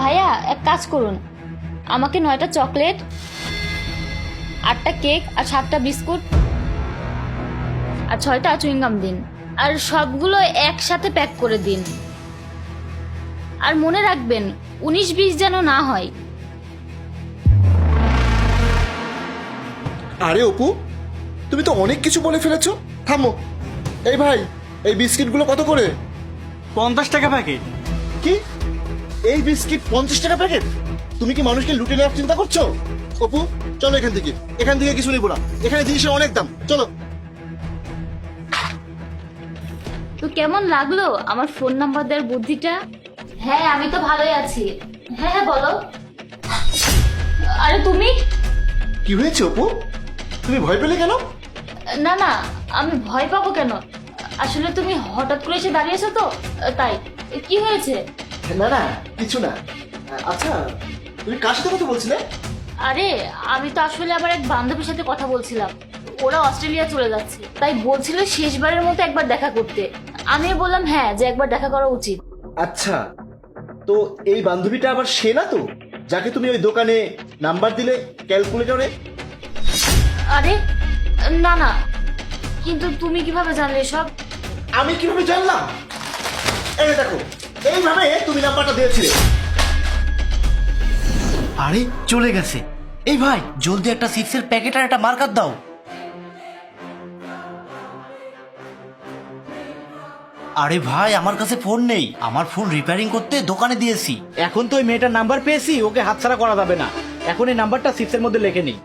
ভাইয়া এক কাজ করুন, আমাকে 9টা চকলেট, 8টা কেক আর 7টা বিস্কুট আর 6টা চুইংগাম দিন। আর সবগুলো একসাথে প্যাক করে দিন। আর মনে রাখবেন 19-20 যেন না হয়। আরে অপু, তুমি তো অনেক কিছু বলে ফেলেছো। থামো। এই ভাই, এই বিস্কিটগুলো কত করে? 50 টাকা প্যাকেট। কি? এই বিস্কিট 50 টাকা প্যাকেট? তুমি কি মানুষকে লুটে নেওয়ার চিন্তা করছো? অপু, চলো এখান থেকে। এখান থেকে কিছু নেবো না, এখানে জিনিসের অনেক দাম। চলো। তো কেমন লাগলো আমার ফোন নাম্বার দেওয়ার বুদ্ধিটা? হ্যাঁ, আমি তো ভালোই আছি। হ্যাঁ হ্যাঁ বলো। আরে তুমি? কি হয়েছে অপু? তুমি ভয় পেলে কেন? না না, আমি ভয় পাবো কেন? আসলে তুমি হঠাৎ করে এসে দাঁড়িয়েছো তো, তাই। কি হয়েছে? না না, কিছু না। আচ্ছা, তুমি কার সাথে কথা বলছিলে? আরে আমি তো আসলে আমার এক বান্ধবীর সাথে কথা বলছিলাম। ওরা অস্ট্রেলিয়া চলে যাচ্ছে, তাই বলছিল শেষবারের মতো একবার দেখা করতে। আমিও বললাম হ্যাঁ, যে একবার দেখা করা উচিত। আচ্ছা, তো এই বান্ধবীটা আবার সে না তো, যাকে তুমি ওই দোকানে নাম্বার দিলে ক্যালকুলেটরে? আরে না না, কিন্তু তুমি কিভাবে জানলে সব? আমি কিভাবে জানলাম? এই দেখো, এইভাবে তুমি নাম্বারটা দিয়েছিলে। আরে চলে গেছে। এই ভাই, জলদি একটা চিপসের প্যাকেট আর একটা মার্কার দাও। আরে ভাই, আমার কাছে ফোন নেই, আমার ফোন রিপেয়ারিং করতে দোকানে দিয়েছি। এখন তো ওই মেয়েটার নাম্বার পেয়েছি, ওকে হাতছাড়া করা যাবে না। এখন এই নাম্বারটা চিপসের মধ্যে লিখে নিই।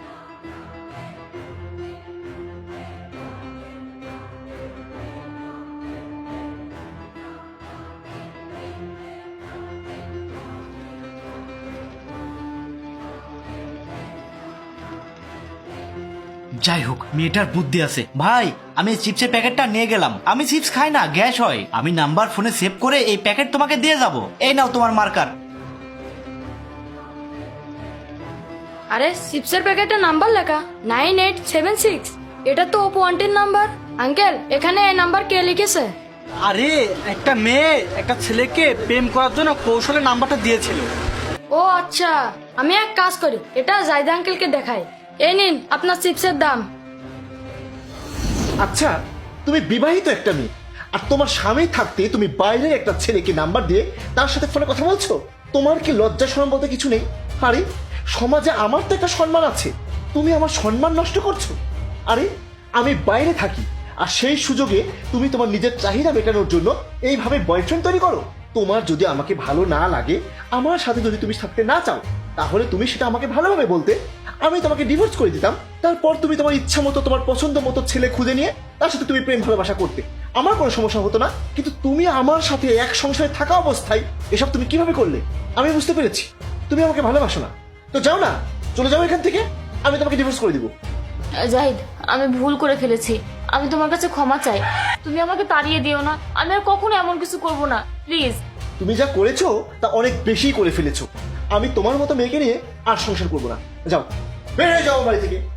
যাই হোক, মেয়েটার বুদ্ধি আছে। ভাই, আমি এই চিপসের প্যাকেটটা নিয়ে গেলাম। আমি চিপস খাই না, গ্যাস হয়। আমি নাম্বার ফোনে সেভ করে এই প্যাকেট তোমাকে দিয়ে যাব। এই নাও তোমার মার্কার। আরে চিপসের প্যাকেটে নাম্বার লেখা 9876। এটা তো ওপো আন্টির নাম্বার। আঙ্কেল, এখানে এই নাম্বার কে লিখেছে? আরে একটা মেয়ে একটা ছেলেকে প্রেম করার জন্য কৌশলে নাম্বারটা দিয়েছিল। ও আচ্ছা, আমি এক কাজ করি, এটা জায়দা আঙ্কেলকে দেখাই। এই নিন আপনার চিপসের দাম। আচ্ছা, তুমি বিবাহিত একটা মেয়ে, আর তোমার স্বামী থাকতে তুমি বাইরের একটা ছেলেকে নাম্বার দিয়ে তার সাথে ফোনে কথা বলছো? তোমার কি লজ্জা শরম বলতে কিছু নেই? আরে সমাজে আমার তো একটা সম্মান আছে, তুমি আমার সম্মান নষ্ট করছো। আরে আমি বাইরে থাকি, আর সেই সুযোগে তুমি তোমার নিজের চাহিদা মেটানোর জন্য এইভাবে বয়ফ্রেন্ড তৈরি করো। তোমার যদি আমাকে ভালো না লাগে, আমার সাথে যদি তুমি থাকতে না চাও, তাহলে তুমি সেটা আমাকে ভালোভাবে বলতে, আমি তোমাকে ডিভোর্স করে দিতাম। তারপর তুমি তোমার ইচ্ছা মতো, তোমার পছন্দ মতো ছেলে খুঁজে নিয়ে তার সাথে তুমি প্রেম ভালোবাসা করতে, আমার কোনো সমস্যা হতো না। কিন্তু তুমি আমার সাথে এক সংসারে থাকা অবস্থায় এসব তুমি কিভাবে করলে? আমি বুঝতে পেরেছি তুমি আমাকে ভালোবাসো না। তো যাও না, চলে যাও এখান থেকে, আমি তোমাকে ডিভোর্স করে দিব। জাহিদ, আমি ভুল করে ফেলেছি। আমি তোমার কাছে ক্ষমা চাই। তুমি আমাকে তাড়িয়ে দিও না। আমি আর কখনো এমন কিছু করব না, প্লিজ। তুমি যা করেছো তা অনেক বেশি করে ফেলেছো। আমি তোমার মতো মেয়েকে নিয়ে আর সংসার করবো না। যাও, বের হয়ে যাও বাড়ি থেকে।